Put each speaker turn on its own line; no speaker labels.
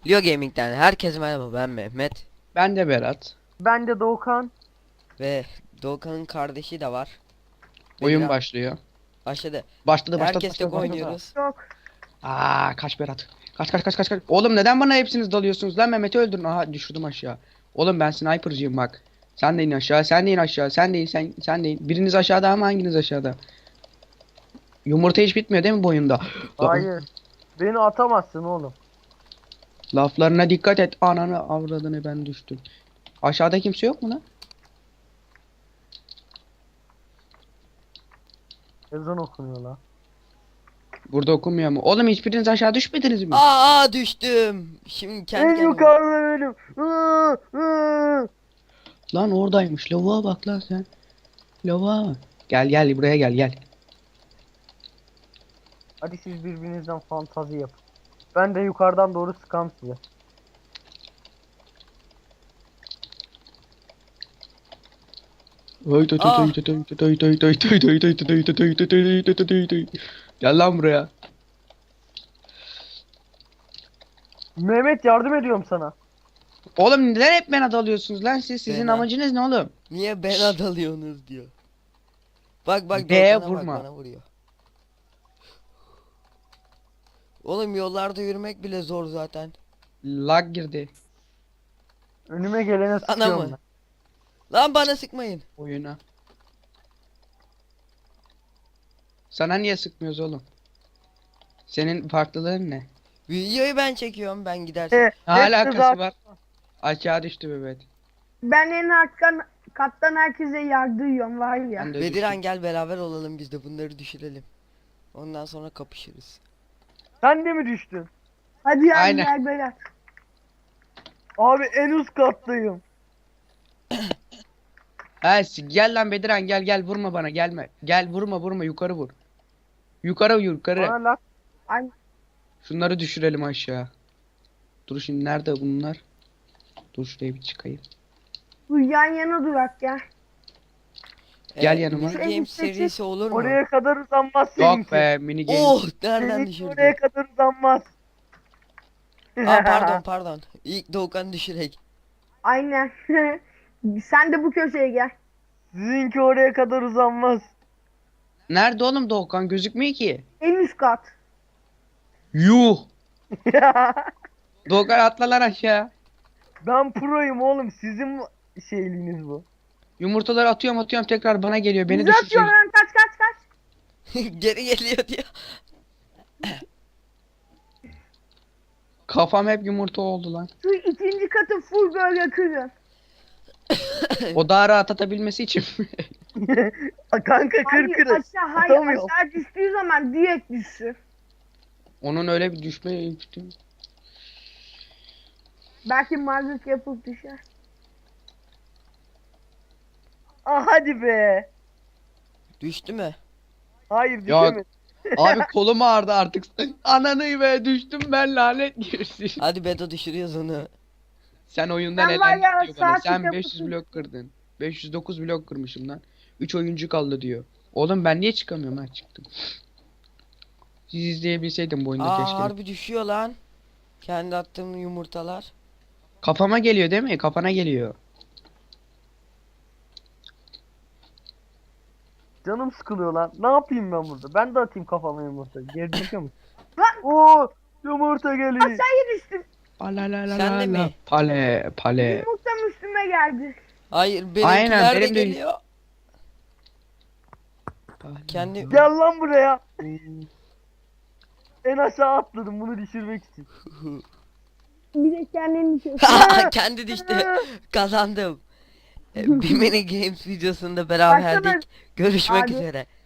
Leo Gaming'den herkese merhaba, ben Mehmet
Ben de Berat.
Ben de Doğukan.
ve Doğukan'ın kardeşi de var.
Oyun
Bedran
başlıyor.
başladı.
Başladı.
Herkes tek oynuyoruz.
Yok.
Kaç Berat. Kaç. Oğlum neden bana hepsiniz dalıyorsunuz lan? Mehmet'i öldürün. Aha düşürdüm aşağı. Oğlum ben sniper'cıyım bak. Sen de in aşağı, sen de in aşağı, sen de in. Biriniz aşağıda ama hanginiz aşağıda? Yumurta hiç bitmiyor değil mi bu oyunda?
Hayır. Beni atamazsın oğlum.
Laflarına dikkat et. Ananı avradını ben düştüm. Aşağıda kimse yok mu lan?
Ezan okunuyor lan.
Burada okunmuyor mu? Oğlum hiçbiriniz aşağı düşmediniz mi?
Düştüm. Şimdi kendi
En
kendime.
yukarıda benim. Iı, ıı.
Lan oradaymış. Lavuğa bak lan sen. Lavuğa. Gel buraya gel.
Hadi siz birbirinizden fantazi yapın. Ben de yukarıdan doğru sıkam size.
Gel lan buraya.
Mehmet yardım ediyorum sana.
Oğlum neden hep bana dalıyorsunuz lan siz? Sizin
Bana.
amacınız ne oğlum?
Niye ben adalıyorsunuz diyor. Bak
B
Doğukan'a
vurma.
bak, bana vuruyor. Oğlum yollarda yürümek bile zor zaten.
Lag girdi
Önüme gelene
Ana
sıkıyorum
mı?
ben.
Lan bana sıkmayın.
oyuna. Sana niye sıkmıyoruz oğlum? Senin farklılığın ne?
Videoyu ben çekiyorum, ben gidersen.
Ne
Hepsi
alakası
zaten-
var? Aşağı düştü Mehmet.
Ben en alttan kattan herkese yardırıyorum var ya.
Ben de
Bediran
düştüm.
gel beraber olalım, biz de bunları düşürelim. Ondan sonra kapışırız.
Sen de mi düştün?
Hadi ya
Aynen.
gel Berat.
Abi en üst kattayım.
Gel lan Bediran gel vurma bana gelme. Gel vurma yukarı vur. Yukarı.
Bana lak.
Ay,
Şunları düşürelim aşağı. Dur şimdi nerede bunlar? Dur şuraya bir çıkayım.
bu yan yana durak ya.
Gel yanıma.
Mini Games serisi olur mu?
Oraya kadar uzanmaz
Yok
seninki.
be mini game.
Oh, nereden
Seninki
düşürdü?
oraya kadar uzanmaz.
Pardon. İlk Doğukan düşürek.
Aynen. Sen de bu köşeye gel.
Sizinki oraya kadar uzanmaz.
Nerede oğlum Doğukan gözükmüyor ki.
En üst kat.
Yuh. Doğukan atla lan aşağı.
Ben proyum oğlum. Sizin şeyliğiniz bu.
Yumurtaları atıyorum tekrar bana geliyor. Beni
Bizi atıyor
düşürecek.
lan kaç.
Geri geliyor diyor.
Kafam hep yumurta oldu lan.
Şu ikinci katı full böyle kırın.
O daha rahat atabilmesi için.
Kanka
Hayır
kır.
aşağı
Atamıyorum.
aşağı düştüğü zaman direkt düşsün.
Onun öyle bir düşme.
Belki mazlık yapıp düşer.
Hadi be.
Düştü mü?
Hayır
Yok.
düşemedi.
Abi kolum ağrıdı artık. Ananı be düştüm ben lanet girsin.
Hadi Bedo düşürüyoruz onu.
Sen oyundan
Ben var ya,
elendin diyor bana.
saat
Sen
yapısın.
500 blok kırdın. 509 blok kırmışım lan. 3 oyuncu kaldı diyor. Oğlum ben niye çıkamıyorum ha çıktım. Siz izleyebilseydim bu oyunda keşke.
Harbi düşüyor lan. Kendi attığım yumurtalar.
Kafama geliyor değil mi? Kafana geliyor.
Canım sıkılıyor lan. Ne yapayım ben burada? Ben de atayım kafama yumurta. Geri çıkıyor musun?
Lan!
Oo, yumurta geliyor.
Aşağıya düştüm.
Sen de mi?
Pale.
Yumurtam üstüme geldi.
Hayır,
Aynen,
benimkiler de
benim de-
geliyor. Kendi
Gel lan buraya. En aşağı atladım bunu düşürmek için.
Bir de kendini düşüyorsun.
kendi düştü. Kazandım. Bir mini games videosunda beraberdik. Görüşmek
Hadi.
üzere.